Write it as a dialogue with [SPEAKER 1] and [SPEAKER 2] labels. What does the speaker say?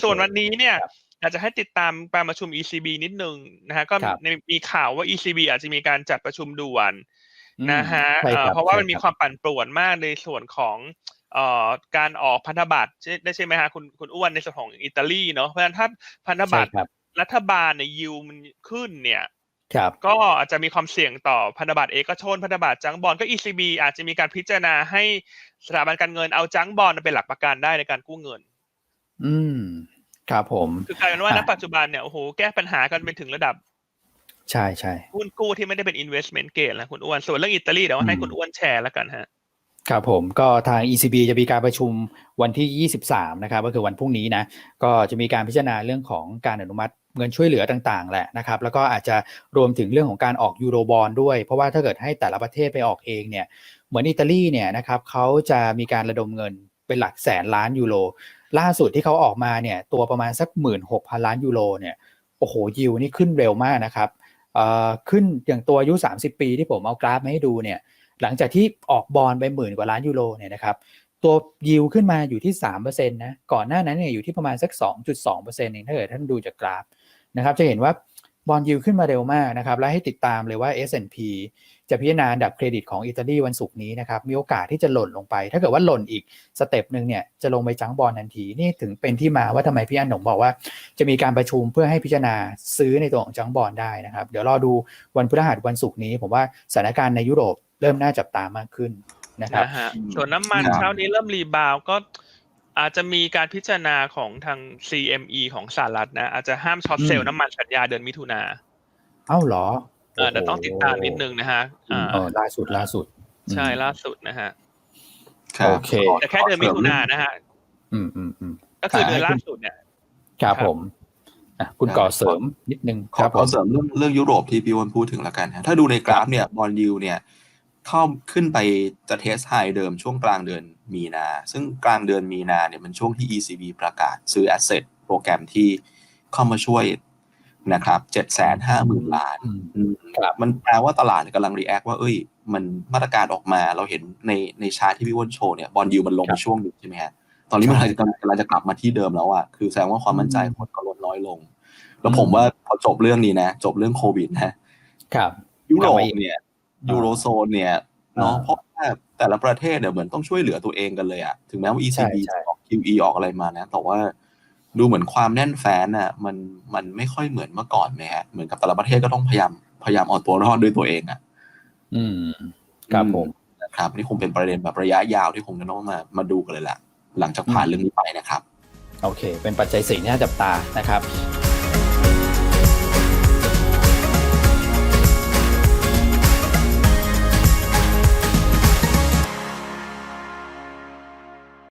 [SPEAKER 1] ส่วนวันนี้เนี่ย
[SPEAKER 2] ครับ
[SPEAKER 1] อยากจะให้ติดตามการประชุม ECB นิดนึงนะฮะก็
[SPEAKER 2] ครับ
[SPEAKER 1] มีข่าวว่า ECB อาจจะมีการจัดประชุมด่วน
[SPEAKER 2] อืม
[SPEAKER 1] นะฮะ
[SPEAKER 2] ใช่ครับ
[SPEAKER 1] เพราะว่ามันมี
[SPEAKER 2] ใช่ครับ
[SPEAKER 1] ความปั่นป่วนมากในส่วนของการออกพันธบัตรใช่ไหมฮะคุณอ้วนในส่วนของอิตาลีเนาะเพราะฉะนั้นถ้าพันธบัตร
[SPEAKER 2] ใช่ครับ
[SPEAKER 1] รัฐบาลเนี่ยยิวมันขึ้นเนี่ย
[SPEAKER 2] ครับ
[SPEAKER 1] ก็อาจจะมีความเสี่ยงต่อพันธบัตรเอกชนพันธบัตรจังก์บอนด์ก็ ECB อาจจะมีการพิจารณาให้สถาบันการเงินเอาจังก์บอนด์เป็นหลักประกันได้ในการกู้เงิน
[SPEAKER 2] อืมครับผม
[SPEAKER 1] คือกลายเป็นว่าณ
[SPEAKER 2] อ่ะ
[SPEAKER 1] ปัจจุบันเนี่ยโอ้โหแก้ปัญหากันเป็นถึงระดับ
[SPEAKER 2] ใช่ใช่
[SPEAKER 1] หุ้นกู้ที่ไม่ได้เป็น investment grade แล้วคุณอ้วนส่วนเรื่องอิตาลีเดี๋ยวให้คุณอ้วนแชร์แล้วกันฮะ
[SPEAKER 2] ครับผมก็ทาง ECB จะมีการประชุมวันที่23นะครับก็คือวันพรุ่งนี้นะก็จะมีการพิจารณาเรื่องของการอนุมัติเงินช่วยเหลือต่างๆแหละนะครับแล้วก็อาจจะรวมถึงเรื่องของการออกยูโรบอนด์ด้วยเพราะว่าถ้าเกิดให้แต่ละประเทศไปออกเองเนี่ยเหมือนอิตาลีเนี่ยนะครับเขาจะมีการระดมเงินเป็นหลักแสนล้านยูโรล่าสุดที่เขาออกมาเนี่ยตัวประมาณสัก 16,000 ล้านยูโรเนี่ยโอ้โหยิวนี่ขึ้นเร็วมากนะครับขึ้นอย่างตัวอายุ30 ปีที่ผมเอากราฟมาให้ดูเนี่ยหลังจากที่ออกบอนด์ไป10,000 กว่าล้านยูโรเนี่ยนะครับตัวยิวขึ้นมาอยู่ที่ 3% นะก่อนหน้านั้นเนี่ยอยู่ที่ประมาณสัก 2.2% เองถ้าเกิดท่านดูจากกราฟนะครับจะเห็นว่าบอนด์ยิวขึ้นมาเร็วมากนะครับและให้ติดตามเลยว่า S&P จะพิจารณาอันดับเครดิตของอิตาลีวันศุกร์นี้นะครับมีโอกาสที่จะหล่นลงไปถ้าเกิดว่าหล่นอีกสเต็ปนึงเนี่ยจะลงไปจังบอนด์ทันทีนี่ถึงเป็นที่มาว่าทำไมพี่อันหนงบอกว่าจะมีการประชุมเพื่อให้พิจารณาซื้อในตัวของจังบอนด์ได้นะครับเดี๋ยวรอดูวันพฤหัสวันศุกร์นี้ผมว่าสถานการณ์ในยุโรปเริ่มน่าจับตามากขึ้นนะครับ
[SPEAKER 1] นะฮะส่วนน้ำมันเช้านี้เริ่มรีบาวก็อาจจะมีการพิจารณาของทาง CME ของสหรัฐนะอาจจะห้ามช็อตเซลล์น้ำมันกันยาเดือนมิถุนา
[SPEAKER 2] เอ้าเหรอ
[SPEAKER 1] เดี๋ยวต้องติดตามนิดนึงนะฮะ
[SPEAKER 2] ล่าสุด
[SPEAKER 1] ใช่ล่าสุดนะฮะ
[SPEAKER 2] โอเค
[SPEAKER 1] แต่แค่เดือนมิถุนายนนะฮะก็คือเดือนล่าสุดเนี่ย
[SPEAKER 2] ครับผมคุณก่อเสริมนิดนึง
[SPEAKER 3] ขอเสริมเรื่องยุโรปที่พี่วอนพูดถึงแล้วกันฮะถ้าดูในกราฟเนี่ยบอนด์ยิลด์เนี่ยเข้าขึ้นไปจะเทสไฮเดิมช่วงกลางเดือนมีนาซึ่งกลางเดือนมีนาเนี่ยมันช่วงที่ ECB ประกาศซื้อ asset โปรแกรมที่เข้ามาช่วยนะครับ 750,000 ล้านมันแปลว่าตลาดกำลังรีแอคว่ามันมาตรการออกมาเราเห็นในชาร์ตที่พี่วอนโชว์เนี่ยบอนด์ยิลด์มันลงไปช่วงนึงใช่ไหมฮะตอนนี้มันกำลังจะกลับมาที่เดิมแล้วอ่ะคือแสดงว่าความมั่นใจคนก็ลดน้อยลงแล้วผมว่าพอจบเรื่องนี้นะจบเรื่องโควิดนะครับยุโรปเนี่ยยูโรโซนเนี่ยเนาะเพราะว่าแต่ละประเทศเนี่ยเหมือนต้องช่วยเหลือตัวเองกันเลยอะถึงแม้ว่า ECB จะออก QE ออกอะไรมานะแต่ว่าดูเหมือนความแน่นแฟ้นอ่ะมันไม่ค่อยเหมือนเมื่อก่อนไหมฮะเหมือนกับแต่ละประเทศก็ต้องพยายามเอาตัวรอดด้วยตัวเองอ่ะ
[SPEAKER 2] ครับผม
[SPEAKER 3] นะครับนี่คงเป็นประเด็นแบบระยะยาวที่คงจะต้องมาดูกันเลยแหละหลังจากผ่านเรื่องนี้ไปนะครับ
[SPEAKER 2] โอเคเป็นปัจจัย4ที่น่าจับตานะครับ